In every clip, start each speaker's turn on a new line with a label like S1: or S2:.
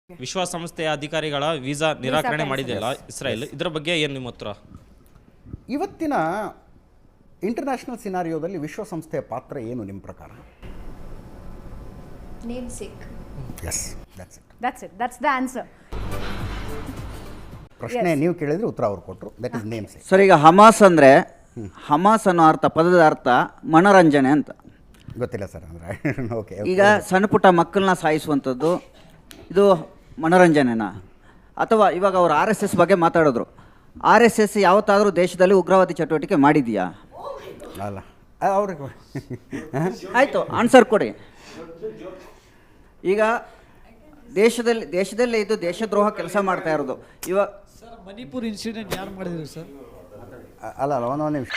S1: ವಿಶ್ವಸಂಸ್ಥೆಯ ಅಧಿಕಾರಿಗಳ ವೀಸಾ ನಿರಾಕರಣೆ ಮಾಡಿದೆಯಲ್ಲ ಇಸ್ರಾಯೇಲ್, ಇದರ ಬಗ್ಗೆ ಏನು ನಿಮ್ಮ ಉತ್ತರ?
S2: ಇವತ್ತಿನ ಇಂಟರ್ನ್ಯಾಷನಲ್ ಸಿನಾರಿಯೋದಲ್ಲಿ ವಿಶ್ವಸಂಸ್ಥೆಯ ಪಾತ್ರ ಏನು ನಿಮ್ಮ ಪ್ರಕಾರ?
S3: Namesake.
S2: Yes, that's it.
S4: That's the answer.
S2: ಪ್ರಶ್ನೆ ನೀವು ಕೇಳಿದ್ರೆ ಉತ್ತರ ಅವ್ರು ಕೊಟ್ಟರು. That is namesake.
S5: ಸರ್, ಈಗ ಹಮಾಸ್ ಅಂದರೆ ಹಮಾಸ್ ಅನ್ನೋ ಅರ್ಥ, ಪದದ ಅರ್ಥ ಮನೋರಂಜನೆ ಅಂತ.
S2: ಗೊತ್ತಿಲ್ಲ ಸರ್, ಅಂದರೆ ಓಕೆ.
S5: ಈಗ ಸಣ್ಣ ಪುಟ್ಟ ಮಕ್ಕಳನ್ನ ಸಾಯಿಸುವಂಥದ್ದು ಇದು ಮನೋರಂಜನೆನಾ? ಅಥವಾ ಇವಾಗ ಅವರು RSS ಬಗ್ಗೆ ಮಾತಾಡಿದ್ರು, RSS ಯಾವತ್ತಾದರೂ ದೇಶದಲ್ಲಿ ಉಗ್ರವಾದಿ ಚಟುವಟಿಕೆ ಮಾಡಿದೆಯಾ?
S2: ಅಲ್ಲ, ಅವ್ರಿಗೆ
S5: ಆಯಿತು, ಆನ್ಸರ್ ಕೊಡಿ. ಈಗ ದೇಶದಲ್ಲಿ ಇದು ದೇಶದ್ರೋಹ ಕೆಲಸ ಮಾಡ್ತಾ ಇರೋದು. ಇವಾಗ
S6: ಸರ್, ಮಣಿಪುರ್ ಇನ್ಸಿಡೆಂಟ್ ಯಾರು ಮಾಡಿದ್ರು ಸರ್?
S2: ಅಲ್ಲ ಒಂದು ನಿಮಿಷ,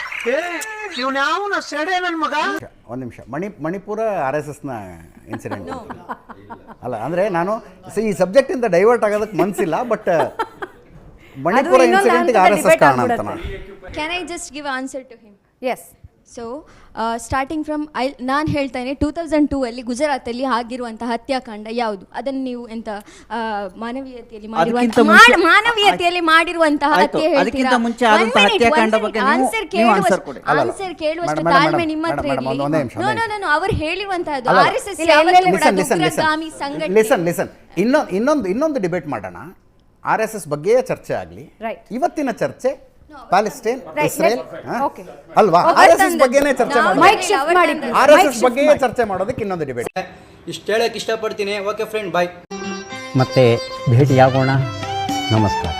S2: ಒಂದು ನಿಮಿಷ. ಮಣಿಪುರ RSSನ ಇನ್ಸಿಡೆಂಟ್ ಅಲ್ಲ. ಅಂದರೆ ನಾನು ಈ ಸಬ್ಜೆಕ್ಟಿಂದ ಡೈವರ್ಟ್ ಆಗೋದಕ್ಕೆ ಮನಸ್ಸಿಲ್ಲ, ಬಟ್ ಮಣಿಪುರ ಇನ್ಸಿಡೆಂಟ್ಗೆ RSS ಕಾರಣ ಅಂತ ನಾನು.
S3: Can I just give an answer to him?
S4: Yes.
S3: So starting from ನಾನು ಹೇಳ್ತೇನೆ 2002 ಅಲ್ಲಿ ಗುಜರಾತಲ್ಲಿ ಆಗಿರುವಂತಹ ಹತ್ಯಾಕಾಂಡ ಯಾವುದು? ಅದನ್ನು ನೀವು ಎಂತ ಮಾನವೀಯತೆಯಲ್ಲಿ ಮಾಡಿರುವಂತಹ ಹತ್ಯೆ ಹೇಳ್ತೀರಾ? ಆನ್ಸರ್ ಕೇಳುವಷ್ಟು ತಾಳ್ಮೆ ನಿಮ್ಮ ಹತ್ರ ಇರಲಿ. ಅವರು ಹೇಳಿರುವಂತಹದ್ದು RSS ಉಗ್ರಗಾಮಿ ಸಂಘಟನೆ.
S2: ಇನ್ನೊಂದು ಡಿಬೇಟ್ ಮಾಡೋಣ. RSS ಬಗ್ಗೆ ಚರ್ಚೆ ಆಗಲಿ. ಇವತ್ತಿನ ಚರ್ಚೆ ಪ್ಯಾಲೆಸ್ಟೈನ್, ಇಸ್ರೇಲ್ ಅಲ್ವಾ? RSS ಬಗ್ಗೆನೇ ಚರ್ಚೆ ಮಾಡೋದು. RSS ಬಗ್ಗೆ ಚರ್ಚೆ ಮಾಡೋದಕ್ಕೆ ಇನ್ನೊಂದು ಡಿಬೇಟ್.
S5: ಇಷ್ಟು ಹೇಳಕ್ಕೆ ಇಷ್ಟಪಡ್ತೀನಿ. Okay friend, bye.
S7: ಮತ್ತೆ ಭೇಟಿಯಾಗೋಣ. ನಮಸ್ಕಾರ.